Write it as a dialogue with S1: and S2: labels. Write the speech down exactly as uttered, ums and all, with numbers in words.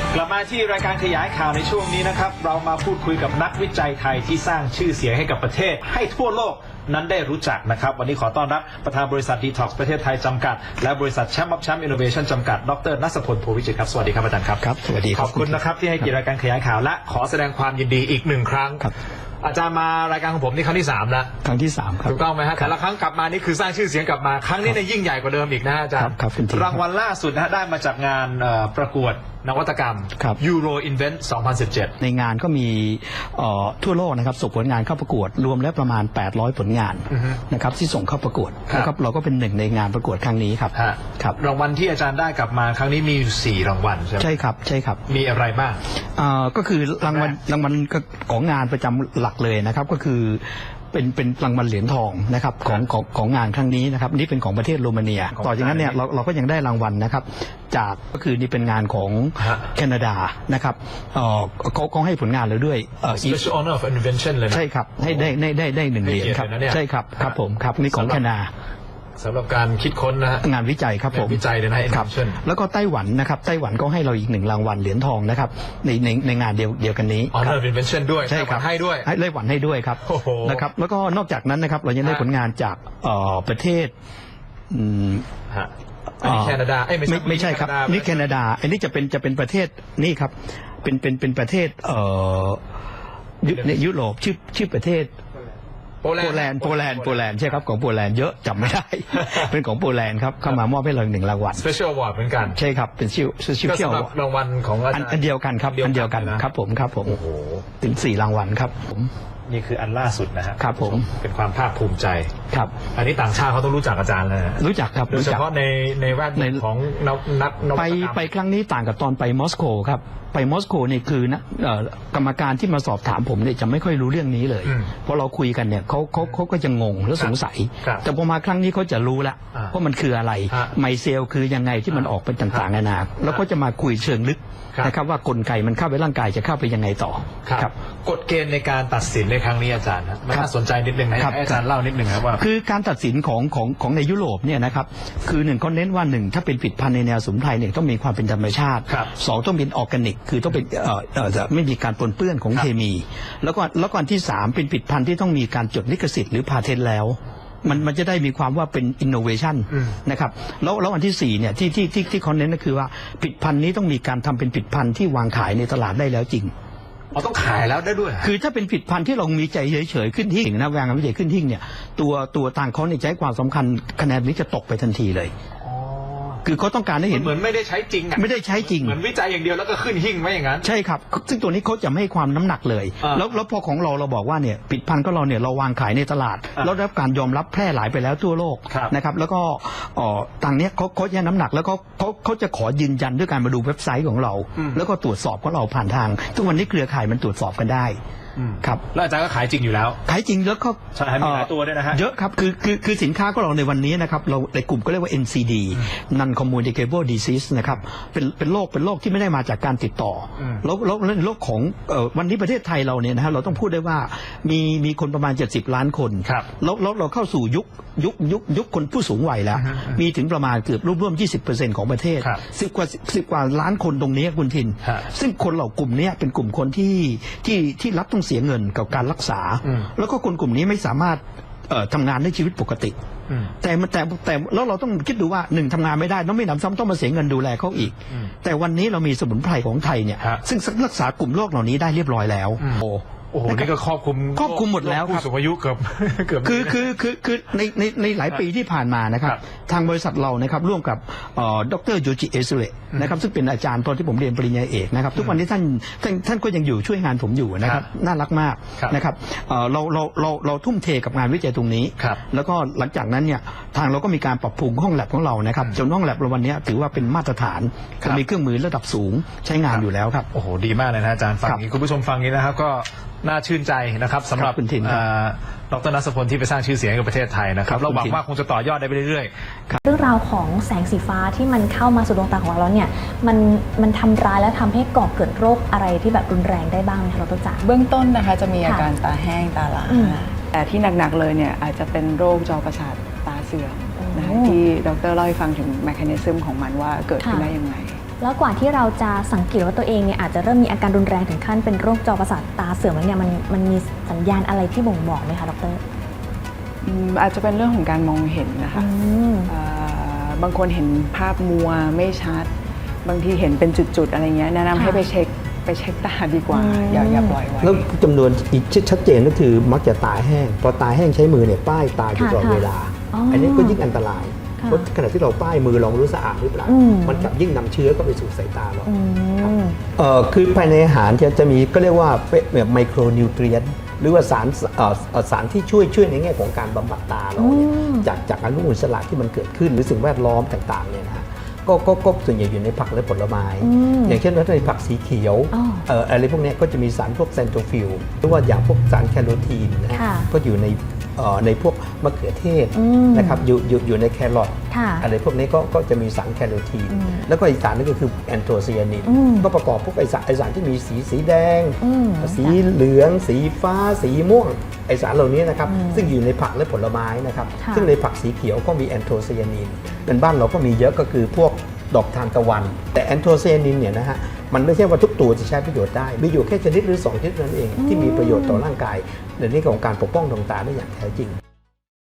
S1: กลับมาที่รายการขยายข่าวในช่วงนี้นะครับเรามาพูดคุยกับนักวิจัยไทยที่สร้างชื่อเสียงให้กับประเทศให้ทั่วโลกนั้นได้รู้จักนะครับวันนี้ขอต้อนรับประธานบริษัท Detox ประเทศไทยจำกัดและบริษัทแชมป์ออฟแชมป์อินโนเวชั่นจำกัดดร.ณัฐพล โพวิจิตรครับสวัสดีครับอาจารย์ครับ
S2: ครับสวัสดี
S1: ขอบคุณนะครับที่ให้เกียรติรายการขยายข่าวและขอแสดงความยินดีอีกหนึ่งครั้งอาจารย์มารายการของผมนี่ครั้งที่สามแล้ว
S2: ครั้งที่สามครับ
S1: ถูกต้องไหมฮะแต่ละครั้งกลับมานี่คือสร้างชื่อเสียงกลับมาครั้งนี้เนี่ยยิ่งใหญ่กว่าเดิมอีกนะอาจารย์รางวัลล่าสุดนะฮะได้มาจากงานประกวดนวัตกรรม Euro Invent สองพันสิบเจ็ด
S2: ในงานก็มีทั่วโลกนะครับส่งผลงานเข้าประกวดรวมแล้วประมาณแปดร้อยผลงานนะครับที่ส่งเข้าประกวดนะครับเราก็เป็นหนึ่งในงานประกวดครั้งนี้ครับ
S1: ครับรางวัลที่อาจารย์ได้กลับมาครั้งนี้มีอยู่สี่รางวัลใช่ไหม
S2: ใช่ครับใช่ครับ
S1: มีอะไรบ้าง
S2: ก็คือรางวัลรางวัลของงานประจำหลักเลยนะครับก็คือเป็นเป็นรางวัลเหรียญทองนะครับของของของงานครั้งนี้นะครับนี่เป็นของประเทศโรมาเนียต่อจากนั้นเนี่ยเราเราก็ยังได้รางวัลนะครับจากก็คือนี่เป็นงานของแคนาดานะครับเขาเขาให้ผลงานเราด้วย
S1: Special Honor of Invention เลยนะ
S2: ใช่ครับให้ได้ได้ได้ได้หนึ่งเหรียญครับใช่ครับครับผมครับนี่ของแคนาดา
S1: สำหรับการคิดค้นนะ
S2: งานวิจัยครับผม
S1: วิจัยเลยนะครับ
S2: แล้วก็ไต้หวันนะครับไต้หวันก็ให้เราอีกหนึ่งรางวัลเหรียญทองนะครับในในในงานเดียวเดียวกันนี้
S1: Honor of Invention ด้วย
S2: ใช่ครับ
S1: ให้ด้วย
S2: ให้ไต้หวันให้ด้วยครับนะครับแล้วก็นอกจากนั้นนะครับเรายังได้ผลงานจากประเทศ
S1: อันนี้แคนาดา
S2: ไม่ไม่ใช่ครับนี่แคนาดาอันนี้จะเป็นจะเป็นประเทศนี่ครับเป็นเป็นเป็นประเทศเอ่อในยุโรปชื่อชื่อประเทศโปแลนด์โปแลนด์โปแลนด์ใช่ครับของโปแลนด์เยอะจำไม่ได้เป็นของโปแลนด์ครับเข้ามามอบให้เราหนึ่งรางวัล
S1: Special Award เหมือนกัน
S2: ใช่ครับเป็นชื่อชื่อ
S1: เที่ยวรางวัลของ
S2: อันเดียวกันครับอันเดียวกันครับผมครับผมโอ้โหถึงสี่รางวัลครับผม
S1: นี่คืออันล่าสุดนะฮะ
S2: ครับผม
S1: เป็นความภาคภูมิใจ
S2: ครับ
S1: อันนี้ต่างชาติเขาต้องรู้จักอาจารย์เลย
S2: รู้จักครับ
S1: โดยเฉพาะในในแวดวงของนัก
S2: ไปไปครั้งนี้ต่างกับตอนไปมอสโกครับไปมอสโกนี่คือนะกรรมการที่มาสอบถามผมเนี่ยจะไม่ค่อยรู้เรื่องนี้เลยเพราะเราคุยกันเนี่ยเขาเขาเขาก็จะงงและสงสัยแต่พอมาครั้งนี้เขาจะรู้ละว่ามันคืออะไรไมเซลคือยังไงที่มันออกเป็นต่างๆนานาแล้วก็จะมาคุยเชิงลึกนะครับว่ากลไกมันเข้าไปร่างกายจะเข้าไปยังไงต่อ
S1: ครับกฎเกณฑ์ในการตัดสินในครั้งนี้อาจารย์นะมันน่าสนใจนิดนึงนะให้อาจารย์เล่านิดนึงครับว่า
S2: คือการตัดสินของของของในยุโรปเนี่ยนะครับคือหนึ่งเขาเน้นว่าหนึ่งถ้าเป็นผลิตภัณฑ์ในแนวสมุนไพรเนี่ยต้องมีความเป็นธรรมชาติสองต้องเป็นออร์แกนิกคือต้องเป็นเอ่อเอ่อจะไม่มีการปนเปื้อนของเคมีแล้วก็แล้วก็อันที่สามเป็นผลิตภัณฑ์ที่ต้องมีการจดลิขสิทธิ์หรือพาเทนต์แล้วมันมันจะได้มีความว่าเป็นอินโนเวชันนะครับแล้วแล้วอันที่สี่เนี่ยที่ที่ที่ที่เขาเน้นก็คือว่าผลิตภัณฑ์นี้ต้องมีการทำเป็นผลิตภัณฑ์ที่วางขายในตลาดได้แล้วจริง
S1: อ๋อต้องขายแล้วได้ด้วย
S2: คือถ้าเป็นผลิตภัณฑ์ที่เรามีใจเฉยๆขึ้นหิ้งนะวางวิจัยขึ้นหิ้งเนี่ยตัวตัวต่างเขาในใจความสำคัญคะแนนนี้จะตกไปทันทีเลยคือเขาต้องการให้เห็น
S1: เหมือนไม่ได้ใช้จริง
S2: ไม่ได้ใช้จริง
S1: เหมือนวิจัยอย่างเดียวแล้วก็ขึ้นหิ้งไว้อย่างนั้น
S2: ใช่ครับซึ่งตัวนี้เขาจะไม่ให้ความน้ำหนักเลยแล้วแล้วพอของเราเราบอกว่าเนี่ยผลิตภัณฑ์ก็เราเนี่ยเราวางขายในตลาดแล้วได้รับการยอมรับแพร่หลายไปแล้วทั่วโลกนะครับแล้วก็ต่างเนี้ยเขาเขาแย่น้ำหนักแล้วเขาเขาเขาจะขอยืนยันด้วยการมาดูเว็บไซต์ของเราแล้วก็ตรวจสอบของเราผ่านทางทุกวันนี้เครือข่ายมันตรวจสอบกันได้ครับ
S1: แล้วอาจารย์ก็ขายจริงอยู่แล้ว
S2: ขายจริงแล้วก็
S1: ใช่มีหลายตัวด้วยนะฮะ
S2: เยอะครับคือคือคือสินค้าของเราในวันนี้นะครับเราในกลุ่มก็เรียกว่า เอ็น ซี ดี Non Communicable Disease นะครับเป็นเป็นโรคเป็นโรคที่ไม่ได้มาจากการติดต่อแล้วแล้วในโรคของวันนี้ประเทศไทยเราเนี่ยนะฮะเราต้องพูดได้ว่ามีมีคนประมาณเจ็ดสิบล้านคนแล้วแล้วเราเข้าสู่ยุคยุคยุคยุคคนผู้สูงวัยแล้วมีถึงประมาณเกือบร่วม ยี่สิบเปอร์เซ็นต์ ของประเทศสิบกว่าสิบกว่าล้านคนตรงนี้คุณทินซึ่งคนเหล่ากลุ่มนี้เป็นกลุ่มคนที่ที่ที่รับต้องเสียเงินกับการรักษาแล้วก็คนกลุ่มนี้ไม่สามารถทำงานในชีวิตปกติแต่แต่แต่แล้วเราต้องคิดดูว่าหนึ่งทำงานไม่ได้ต้องไม่นำซ้ำต้องมาเสียเงินดูแลเขาอีกแต่วันนี้เรามีสมุนไพรของไทยเนี่ยซึ่งรักษากลุ่มโรคเหล่านี้ได้เรียบร้อยแล้ว
S1: โอ้โหนี่ก็ครอบคลุม
S2: ครอบคลุมหมดแล้วครับ
S1: ผู้สูงอายุเกือบเกือบ
S2: คือคือคือคือในในในหลายปีที่ผ่านมานะครับทางบริษัทเรานะครับร่วมกับดร.โยจิเอซุเระนะครับซึ่งเป็นอาจารย์ตอนที่ผมเรียนปริญญาเอกนะครับทุกวันนี้ท่านท่านท่านก็ยังอยู่ช่วยงานผมอยู่นะครับน่ารักมากนะครับเราเราเราเราทุ่มเทกับงานวิจัยตรงนี้แล้วก็หลังจากนั้นเนี่ยทางเราก็มีการปรับปรุงห้องแลบของเรานะครับจนห้องแลบเราวันนี้ถือว่าเป็นมาตรฐานมีเครื่องมือระดับสูงใช้งานอยู่แล้วครับ
S1: โอ้โหดีมากเลยนะอาจารย์ฟังนี้คุณผู้ชมฟังนี้นะครับก็น่าชื่นใจนะครับสำหรับดร.ณัฐพลที่ไปสร้างชื่อเสียงให้กับประเทศไทยนะครับเราหวังว่าคงจะต่อยอดได้ไปเรื่อย
S3: ๆเรื่องราวของแสงสีฟ้าที่มันเข้ามาสู่ดวงตาของเราแล้วเนี่ยมันมันทำร้ายและทำให้ก่อเกิดโรคอะไรที่แบบรุนแรงได้บ้างไหมคะดร.จ๋า
S4: เบื้องต้นนะคะจะมีอาการตาแห้งตาล้าแต่ที่หนักๆเลยเนี่ยอาจจะเป็นโรคจอประสาทตาเสื่อมนะที่ดร.เล่าให้ฟังถึงแมคานิซึมของมันว่าเกิดขึ้นได้ยังไง
S3: แล้วกว่าที่เราจะสังเกตว่าตัวเองเนี่ยอาจจะเริ่มมีอาการรุนแรงถึงขั้นเป็นโรคจอประสาทตาเสื่อมแล้วเนี่ยมันมันมีสัญญาณอะไรที่บ่งบอกไหมคะดร.
S4: อืมอาจจะเป็นเรื่องของการมองเห็นนะคะ
S3: อืม
S4: อ่าบางคนเห็นภาพมัวไม่ชัด บางทีเห็นเป็นจุดๆอะไรเงี้ยแนะนำ
S3: ค่ะ
S4: ให้ไปเช็คไปเช็คตาดีกว่า
S3: อืม
S4: อย่าอย่าปล่อยไว้
S2: แล้วจำนวนอีกชัดเจนก็คือมักจะตาแห้งพอตาแห้งใช้มือเนี่ยป้ายตาอยู่ตลอด
S3: ค่ะ
S2: เวลา
S3: อ๋ออั
S2: อันนี้ก็ยิ่งอันตราย
S3: ค่ะ
S2: เพราะขณะที่เราป้ายมือเราไม่รู้สะอาดหรือเปล่า
S3: อืม
S2: มันกลับยิ่งนำเชื้อเข้าไปสู่สายตาเรา
S3: อืม
S2: เอ่อคือภายในอาหารจะจะมีก็เรียกว่าแบบไมโครนิวเทรียนหรือว่าสารเอ่อเอ่อสารที่ช่วยช่วยในแง่ของการบำบัดตาเราเนี่ย
S3: อืม
S2: จากจากอนุมูลอิสระที่มันเกิดขึ้นหรือสิ่งแวดล้อมต่างๆเนี่ยนะฮะก็ก็ก็ส่วนใหญ่อยู่ในผักและผลไม้
S3: อืม
S2: อย่างเช่นว่าในผักสีเขียว
S3: อ๋อ
S2: เอ่ออะไรพวกเนี้ยก็จะมีสารพวกเซนโทฟิลหรือว่าอย่างพวกสารแคโรทีนนะฮะ
S3: ค่ะ
S2: ก็อยู่ในเอ่อในพวกมะเขือเทศ
S3: อืม
S2: นะครับอยู่อยู่อยู่ในแครอท
S3: ค่ะ
S2: อะไรพวกนี้ก็ก็จะมีสารแคโรทีน
S3: อืม
S2: แล้วก็อีกสารนึงก็คือแอนโทไซยานิน
S3: อืม
S2: ก็ประกอบพวกไอสารไอสารที่มีสีสีแดง
S3: อืม
S2: สีเหลือง สีฟ้า สีม่วงไอสารเหล่านี้นะครับ
S3: อืม
S2: ซึ่งอยู่ในผักและผลไม้นะครับ
S3: ค่ะ
S2: ซึ่งในผักสีเขียวก็มีแอนโทไซยานินเป็นบ้านเราก็มีเยอะก็คือพวกดอกทานตะวัน แต่แอนโทไซยานินเนี่ยนะฮะมันไม่ใช่ว่าทุกตัวจะใช้ประโยชน์ได้มีอยู่แค่ชนิดหรือสองชนิดนั้นเองที่มีประโยชน์ต่อร่างกายในเรื่องของการปกป้องดวงตาได้อย่างแท้จริง